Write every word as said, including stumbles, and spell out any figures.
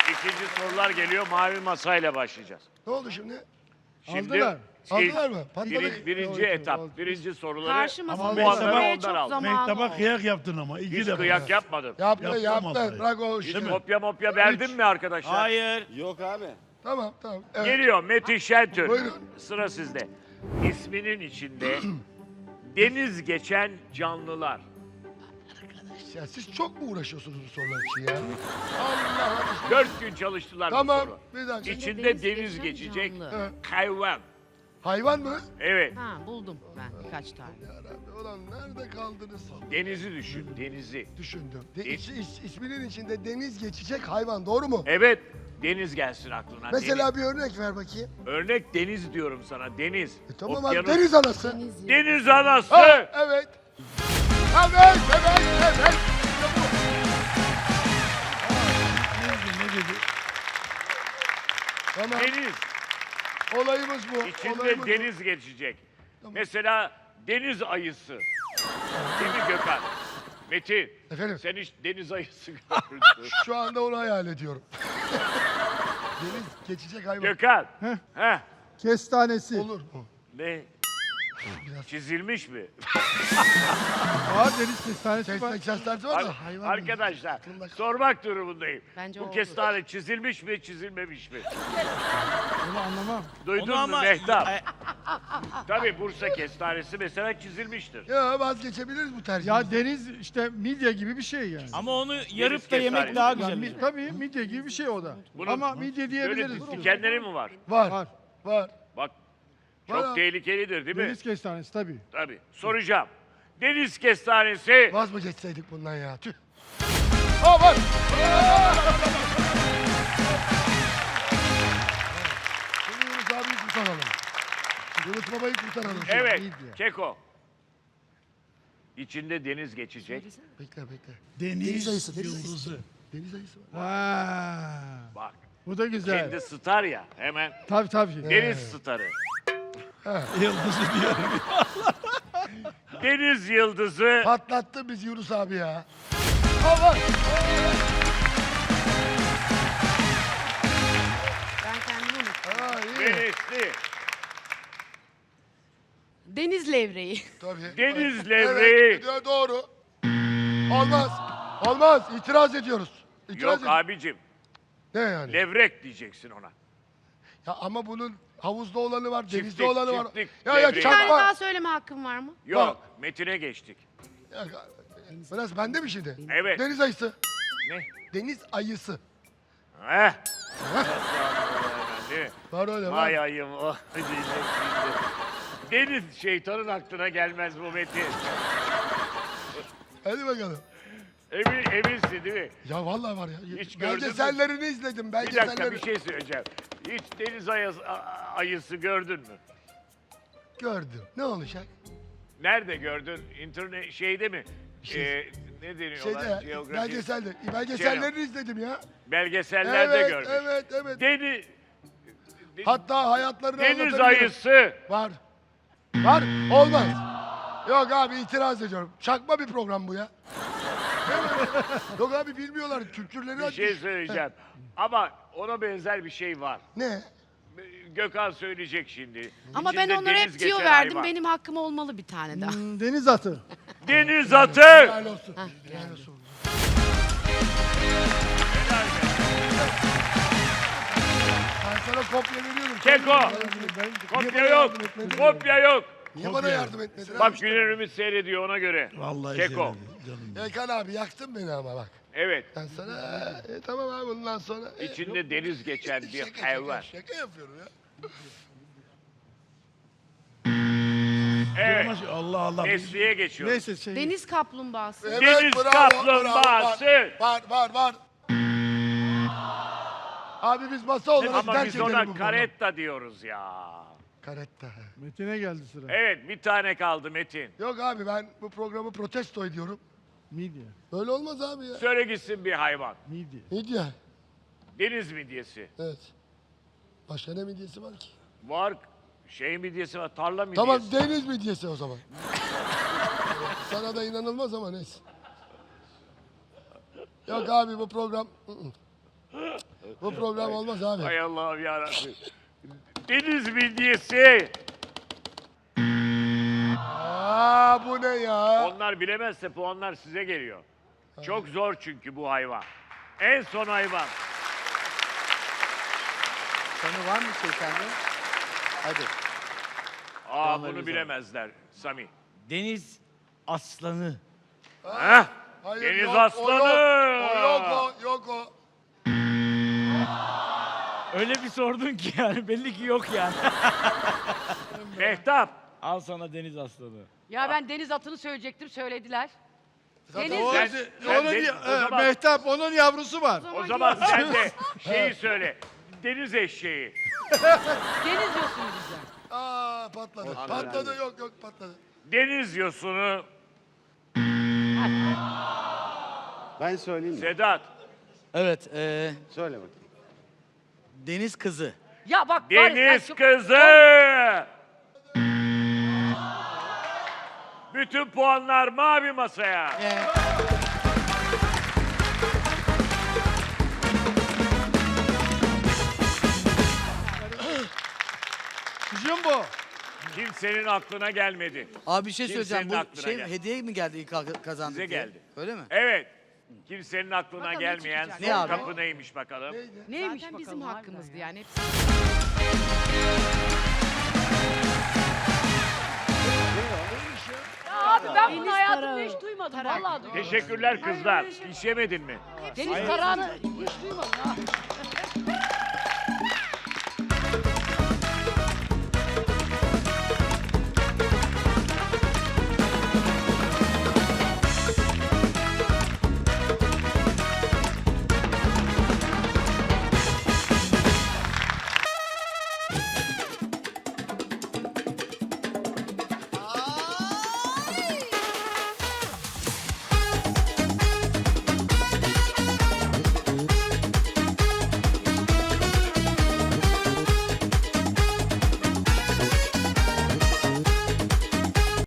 İkinci sorular geliyor. Mavi masayla başlayacağız. Ne oldu şimdi? Şimdi Aldılar. ilk- Aldılar mı? Patladı. birin- birinci Yok, etap, oldu. birinci soruları Karşı Ama masada puanları düşünmeye ondan çok aldım. zamanı Mehtap'a oldu. kıyak yaptın ama iki hiç defa. kıyak yapmadım. Yaptı Yaptı yaptı. masayı. Bırak o Hiç işi. kopya mopya verdin mi arkadaşlar? Hayır. Yok abi. Tamam tamam. Evet. Geliyor Metin Şentürk. Buyurun. Sıra sizde. İsminin içinde deniz geçen canlılar. Ya siz çok mu uğraşıyorsunuz bu sorular için ya? Allah Allah. Dört gün çalıştılar bu Tamam. soru. Bir dakika. İçinde Deniz deniz, geçen geçecek canlı. Evet. hayvan. Hayvan mı? Evet. Ha buldum ben birkaç tane. Yarabbi ulan nerede kaldınız? Denizi düşün, denizi. Düşündüm. De, De- iç- iç- isminin içinde deniz geçecek hayvan doğru mu? Evet, deniz gelsin aklına. Mesela bir örnek ver bakayım. deniz. Örnek deniz diyorum sana, deniz. E, tamam Okyanus- abi deniz anası. Deniz Deniz anası. Ha, evet. Evet, evet, evet. İşte bu. Ne dedi? Tamam. Deniz. Olayımız bu. İçinde Olayımız deniz geçecek. Mesela deniz ayısı. Değil mi Gökhan? Metin, Efendim? sen hiç deniz ayısı gördün. bu. Şu anda onu hayal ediyorum. deniz geçecek hayvan. Gökhan. Heh. Kestanesi. Olur mu? Ne? Biraz. Çizilmiş mi? Var deniz kestanesi Ses, var. sesler var Ar- da hayvan. Arkadaşlar, Aklımda- sormak durumundayım. Bence Bu oldu. kestane çizilmiş mi, çizilmemiş mi? Onu anlamam. Duydun Onu mu ama Mehtap? E, Tabii Bursa kestanesi mesela çizilmiştir. Ya vazgeçebiliriz bu tercihimizden. Ya deniz işte midye gibi bir şey yani. ama onu yarıp da yemek kestanesi. daha Yani güzel. mi- tabii midye gibi bir şey o da. Bunun- Ama midye Böyle diyebiliriz. dikenleri mi var? Var. Var. Var. Bak, Var çok abi. tehlikelidir değil mi? Deniz kestanesi tabii. Tabii. Soracağım. Deniz kestanesi Vaz mı geçseydik bundan ya? Tüh. Aa var. Şimdi Yunus abiyi kurtaralım. Yunus babayı kurtaralım. şimdi. evet, midye. keko. İçinde deniz geçecek. Bekle bekle. Deniz, Deniz ayısı, deniz ayısı. yıldızı. Deniz ayısı var. Ha. Bak, Bu da güzel. kendi star ya hemen. Tabii tabii. Deniz starı. Yıldızı diyorum. Deniz yıldızı. Patlattı biz Yunus abi ya. Aa var. Ben kendimi unuttum. Aa iyi. Denizli. Deniz levreği. Tabii. Deniz levreği. Evet, do- doğru. Olmaz. Olmaz. İtiraz ediyoruz. İtiraz Yok ediyoruz. abicim. Ne yani? Levrek diyeceksin ona. Ya ama bunun havuzda olanı var, denizde Çiftlik, olanı var. çiftlik, Ya ya devreği Bir tane çakma. daha söyleme hakkım var mı? Yok, Metin'e geçtik. Ya, Biraz bende mi şimdi? Evet. Deniz ayısı. Ne? Deniz ayısı. Heh. Değil mi? Var öyle var. Vay ayım o diyecek şimdi. Deniz şeytanın aklına gelmez bu Metin. Hadi bakalım. Emin, eminsin değil mi? Ya vallahi var ya. Hiç gördün mü? Belgesellerini izledim. Bir dakika Belgeselleri. bir şey söyleyeceğim. Hiç deniz ayısı, a- ayısı gördün mü? Gördüm. Ne olacak? Nerede gördün? İnternet şeyde mi? Şey- Ee, ne deniyor Şeyde lan? ya, Jeografi- belgeselde. Belgesellerini izledim ya. Belgesellerde Evet, gördük. evet, evet. Deniz, Hatta hayatlarını deniz anlatabilirim. ayısı. Var. Var. Olmaz. Yok abi itiraz ediyorum. Çakma bir program bu ya. Değil mi? Yok abi bilmiyorlar. Kültürleri Bir şey açmış. söyleyeceğim. Ama ona benzer bir şey var. Ne? Gökhan söyleyecek şimdi. Ama ben İçinde onlara deniz hep tüyo geçen verdim. hayvan. Benim hakkım olmalı bir tane daha. Hmm, deniz atı. Deniz atı. Helal olsun. Hah, Helal geldi. olsun. Helal be. Ben sana kopya veriyorum. Keko. Ben- Kopya Niye bana yok. yardım etmedin? Kopya yok. Niye bana yardım etmedin? Bak Güner Ümit seyrediyor ona göre. Vallahi Keko. sevdim canım. Erkan abi yaktın beni ama bak. Evet. Ben sana e, tamam abi bundan sonra. e, İçinde deniz geçen bir şaka, şaka, hayvan. Şaka yapıyorum ya. Evet. Ama Allah Allah. Mesleğe geçiyoruz. Neyse şey. Deniz kaplumbağası. Evet, Deniz bravo, kaplumbağası. bravo, Var var var. Abi biz masa olarak Ama terk biz edelim bu ona programı. karetta diyoruz ya. Karetta. Metin'e geldi sıra. Evet bir tane kaldı Metin. Yok abi ben bu programı protesto ediyorum. Midye. Böyle olmaz abi ya. Söyle gitsin bir hayvan. Midye. Midye. Deniz midyesi. Evet. Başka ne midyesi var ki? Var şey midyesi var, tarla midyesi. Tamam deniz midyesi o zaman. Sana da inanılmaz ama neyse. Yok abi bu program... ı-ı. Bu program olmaz abi. Hay Allah'ım yarabbim. Deniz midyesi. Aa bu ne ya? Onlar bilemezse puanlar size geliyor. Çok zor çünkü bu hayvan. En son hayvan. Sonu var mı şey sende? Hadi. Aa Puanlarınızı bunu alalım. bilemezler Sami. Deniz aslanı. Heh. Hayır, Deniz yok, aslanı. O yok, o yok o, yok o. Öyle bir sordun ki yani belli ki yok yani. Mehtap. Al sana deniz aslanı. Ya ben deniz atını söyleyecektim, söylediler. Deniz O, Sen- de- sen onun, de- ya- o zaman- e, Mehtap onun yavrusu var. O zaman sen de şeyi söyle. Deniz eşeği. deniz yosunu diyeceğim. Aa patladı. Patladı yok yok patladı. Deniz yosunu. Ben söyleyeyim mi? Sedat. Evet. E, Söyle bakayım. Deniz kızı. Ya bak var ya sen Deniz çok- kızı. Bütün puanlar mavi masaya. Jumbo. Kimsenin aklına gelmedi. Abi bir şey Kimsenin söyleyeceğim. Bu aklına şey geldi. hediye mi geldi ilk al- kazandık Size diye? geldi. Öyle mi? Evet. Kimsenin aklına Bakalım ne gelmeyen çıkacak? son Ne abi? kapı neymiş bakalım. Neymiş Zaten bakalım bizim harbiden hakkımızdı ya. yani. Hepsi Ya abi ben bunu Deniz hayatımda tarağı. hiç duymadım. Tarak. Vallahi duymadım. Teşekkürler kızlar. İş yemedin mi? Deniz tarağını hiç duymadım ya.